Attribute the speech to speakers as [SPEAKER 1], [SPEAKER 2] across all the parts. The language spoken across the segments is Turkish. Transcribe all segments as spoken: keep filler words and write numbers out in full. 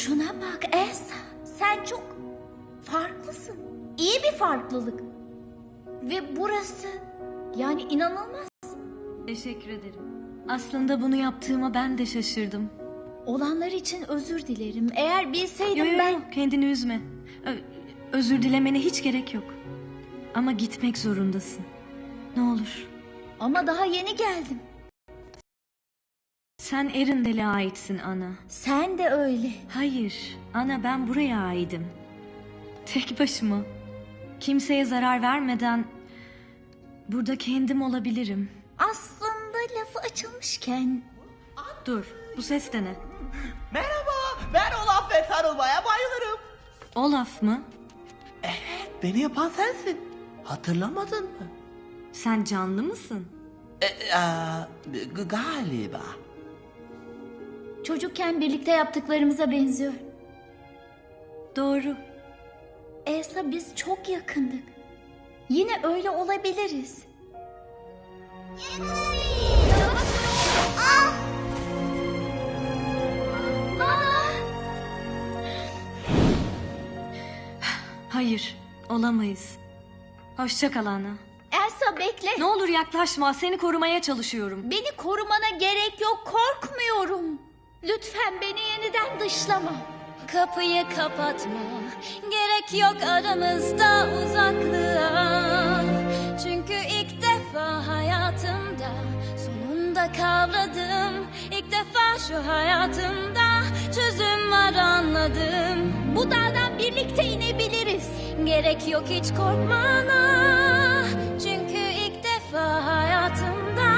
[SPEAKER 1] Şuna bak Elsa. Sen çok farklısın. İyi bir farklılık. Ve burası yani inanılmaz.
[SPEAKER 2] Teşekkür ederim. Aslında bunu yaptığıma ben de şaşırdım.
[SPEAKER 1] Olanlar için özür dilerim. Eğer bilseydim
[SPEAKER 2] Yo, yo,
[SPEAKER 1] ben...
[SPEAKER 2] yo, kendini üzme. Ö- özür dilemene hiç gerek yok. Ama gitmek zorundasın. Ne olur.
[SPEAKER 1] Ama daha yeni geldim.
[SPEAKER 2] Sen Erindel'e aitsin Ana.
[SPEAKER 1] Sen de öyle.
[SPEAKER 2] Hayır, Ana, ben buraya aidim. Tek başıma. Kimseye zarar vermeden burada kendim olabilirim.
[SPEAKER 1] Aslında lafı açılmışken...
[SPEAKER 2] Dur, bu ses de ne?
[SPEAKER 3] Merhaba, ben Olaf ve sarılmaya bayılırım.
[SPEAKER 2] Olaf mı?
[SPEAKER 3] Evet, beni yapan sensin. Hatırlamadın mı?
[SPEAKER 2] Sen canlı mısın?
[SPEAKER 3] E, e, g- galiba.
[SPEAKER 1] Çocukken birlikte yaptıklarımıza benziyor.
[SPEAKER 2] Doğru.
[SPEAKER 1] Elsa, biz çok yakındık. Yine öyle olabiliriz.
[SPEAKER 2] Hayır, olamayız. Hoşça kal Ana.
[SPEAKER 1] Elsa, bekle.
[SPEAKER 2] Ne olur yaklaşma, seni korumaya çalışıyorum.
[SPEAKER 1] Beni korumana gerek yok, korkmuyorum. Lütfen beni yeniden dışlama.
[SPEAKER 4] Kapıyı kapatma, gerek yok aramızda uzaklığa. Çünkü ilk defa hayatımda sonunda kavradım. İlk defa şu hayatımda çözüm var anladım.
[SPEAKER 1] Bu dağdan birlikte inebiliriz.
[SPEAKER 4] Gerek yok hiç korkmana. Çünkü ilk defa hayatımda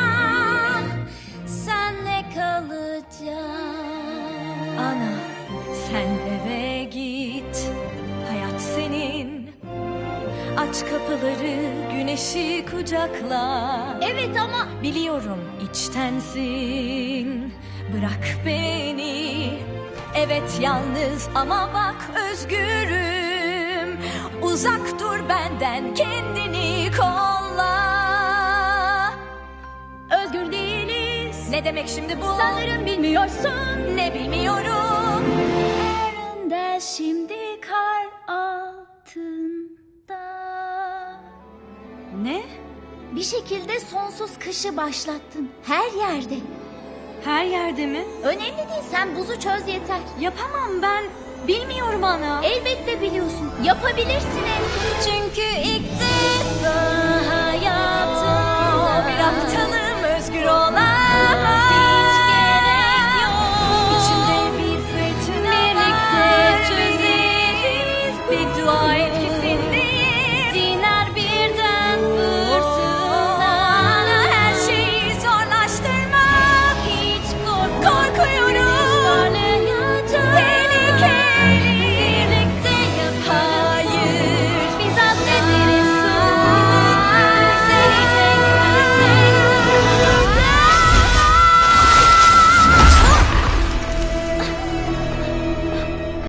[SPEAKER 4] senle kalacağım.
[SPEAKER 2] Ana, sen eve git. Hayat senin. Aç kapıları, güneşi kucakla.
[SPEAKER 1] Evet ama
[SPEAKER 2] Biliyorum içtensin. Bırak beni. Evet yalnız ama bak özgürüm. Uzak dur benden, kendini kolla.
[SPEAKER 1] özgür değiliz.
[SPEAKER 2] Ne demek şimdi bu?
[SPEAKER 1] Sanırım bilmiyorsun.
[SPEAKER 2] Ne bilmiyorum.
[SPEAKER 1] Erindel şimdi kar altında.
[SPEAKER 2] Ne?
[SPEAKER 1] Bir şekilde sonsuz kışı başlattın. Her yerde.
[SPEAKER 2] Her yerde mi?
[SPEAKER 1] Önemli değil, sen buzu çöz yeter.
[SPEAKER 2] Yapamam ben. Bilmiyorum ana.
[SPEAKER 1] Elbette biliyorsun. Yapabilirsin Elsa.
[SPEAKER 4] Çünkü ilk defa hayatımda
[SPEAKER 2] Bir aptalım özgür olan.